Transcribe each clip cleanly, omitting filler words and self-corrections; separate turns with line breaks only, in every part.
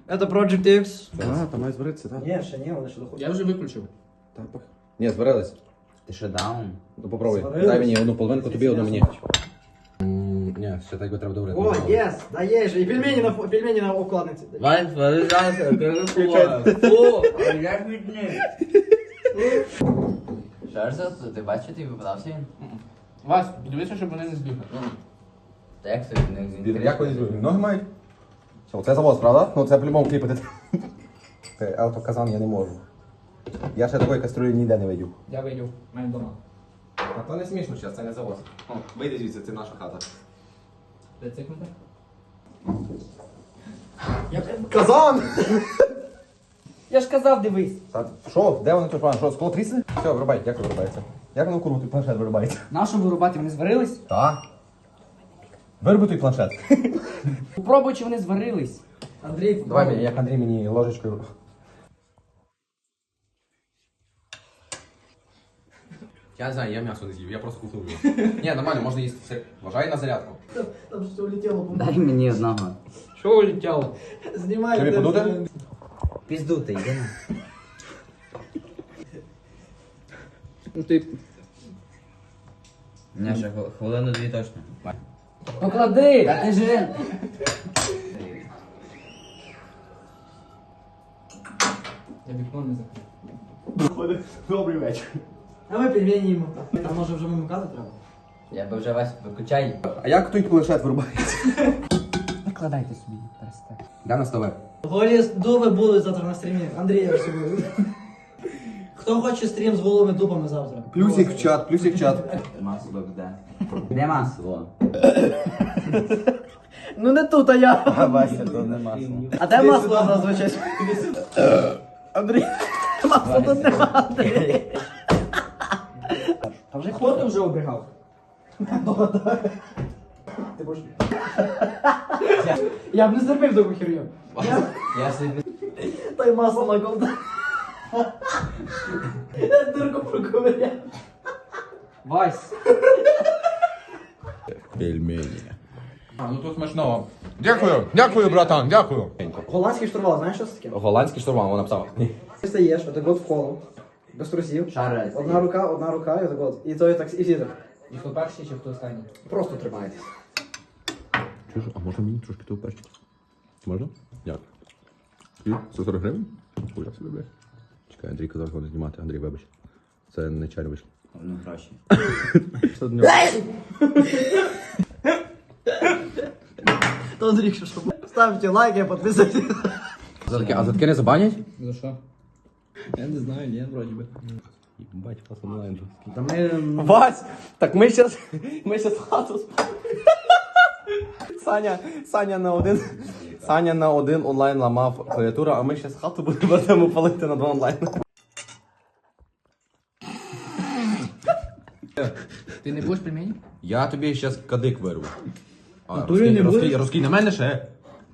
Это Project X.
А, там має зберитися, так?
Ні, ще ні, вони ще доходять.
Я вже виключив.
Ні, збирались.
Ти що даун?
Ну попробуй.
Збирались?
Дай мені одну половинку, тобі одну мені. Ні, ще так треба добре.
О, єс, да є же. І пельмені на окладниці.
Вась, вирізався, кажу, фу, як від них. Що ж це? Ти бачиш, ти випадався він?
Вась, дивися, щоб вони не збігли.
Та як це від них?
Як вони зробили? Ноги мають? Все, це завоз, правда? Ну це по-любому кліпати. Це автоказан я не можу. Я ще такої каструлі ніде не видів.
Я вийду, в мене вдома.
А то не смішно зараз, це не завоз. О, вийди звідси, це наша хата.
Де цикнути?
Казан!
Я ж казав, дивись.
Що? Де вони тут? Що, скло трісне? Все, вирубай, як вирубається? Як воно курву той планшет вирубається?
Нашу вирубати, вони зварились?
Так. Вируби той планшет.
Попробуй, чи вони зварились. Андрій,
Давай мені, як Андрій мені ложечкою. Я не знаю, я м'ясо не з'їв, я просто кусив його. Ні, нормально, можна їсти все. Вважай на зарядку.
Там все улетіло.
Дай мені одного.
Що улетіло?
Знімай.
Тобі подути?
Пізду ти, йди на.
Ну ти...
Ні, ще хвилину-дві точно.
Поклади, а ти же.
Я вікно не закрив.
Добрий вечір.
А ми пельмені їмо. А може вже вимикати треба?
Я би вже Вась виключай.
А як той планшет вирубається?
Накладайте собі, перестань.
Де на столе?
Голі дуби будуть завтра на стрімі. Андрія всього. Хто хоче стрім з голими дубами завтра?
Плюсик в чат, плюсик в чат.
Масло де? Де масло?
Ну не тут, а я.
А Вася, то не масло.
А де масло зазвичай? Андрій, масло тут нема, Андрій. Та вже хто ти вже обрігав? Ти будеш... Я б не зробив таку херню.
Я собі...
Та й масло на ковда. Дурку проковиряв. Вась.
Пельмені. Ну тут смачного. Дякую, дякую, братан, дякую.
Голландський штурвал, знаєш, що це таке?
Голландський штурман, вона написала.
Ти стаєш, отак от в коло, без трусів.
Шарить.
Одна рука, і отак от. І то і так, і всі так.
І хто перший, чи хто останній?
Просто тримайтесь.
Чуєш, а можна мені трошки того перчика? Можна? Дякую. І 140 гривень? Ой, я собі, блядь. Чекай, Андрій казав, що не знімати. Андрій, вибач. Це не чайно вийшло.
Ну, гроші.
Що до нього?
То Андрій, що ставте лайки, підписуйтесь.
А за таке не забанять?
За що? Я не знаю, ні, вроді би.
Бать, пас онлайн же.
Та ми...
Вась, так ми щас хату Саня на один онлайн ламав клавіатуру, а ми щас хату будемо палити на 2 онлайн.
Ти не будеш пельмені?
Я тобі щас кадик вирву. А,
Натурі не будеш?
розкинь на мене ще.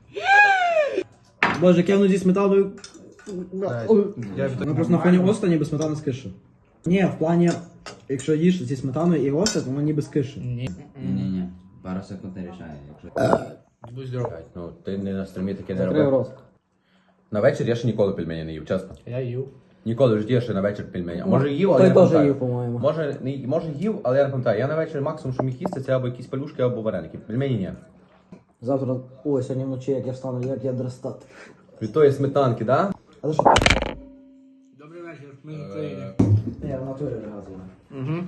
Боже, як я воно зі сметаною...
Я
Ну просто на фоні оста ніби сметана з киші. Ні, в плані, якщо їш зі сметаною і оста, то воно ніби з киші.
Ні.
Ні-ні. Пару секунд не рішає, якщо...
Будь здоров.
Ну, ти не на стрімі таке не
Закрив
робив.
рост.
На вечір я ще ніколи пельмені не їв, чесно.
Я їв.
Ніколи в житті я ще на вечір пельмені. А може їв, але
Той
я не
теж
пам'ятаю.
їв, по-моєму.
Може їв, але я не пам'ятаю. Я на вечір максимум, що міг їсти, це або якісь пелюшки, або вареники. Пельмені ні.
Завтра, ой, сьогодні вночі, як я встану, як я дростати.
Від тої сметанки, да?
А ти що?
Добрий вечір, ми з України.
Ні, в натурі разом.
Угу.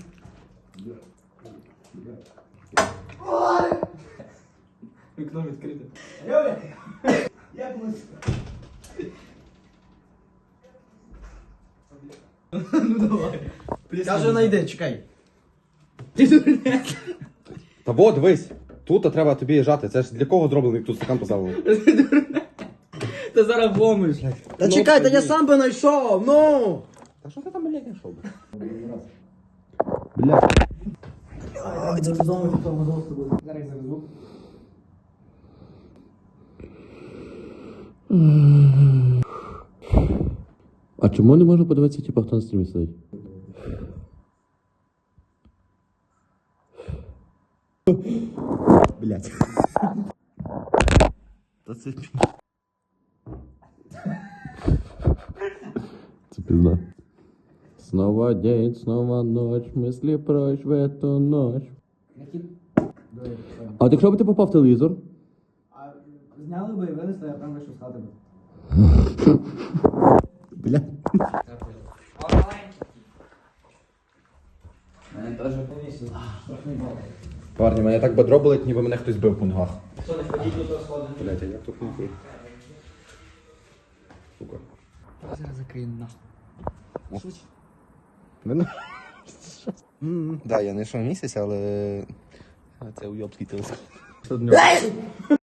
Вікно відкрите.
Як ми?
Ну давай.
Каже, найди, чекай.
Та вот, дивись. Тут треба тобі жати. Це ж для кого зроблено, як тут стакан поставили?
Ти зараз вломиш.
Та чекай, та я сам би знайшов, ну!
Та що ти там, блядь, знайшов?
Ай, це вдома, що там з тобою.
Зараз завезу.
А чому не можна подивитися, типу, хто на стрімі сидить? Блять. Та це... Пизда. Снова день, снова ночь, мысли прочь в эту ночь. А от якщо б ти попав в телевізор?
А зняли би і винесли, а там вийшов з хати би.
Бля.
Мене теж.
Парні, мене так бедро болить, ніби мене хтось бив по ногах.
Що, не ходіть тут розходи?
Блять, а як тут не круть? Сука.
Зараз закрию нахуй.
Да, я не йшов місяць, але... Це уйобський телефон.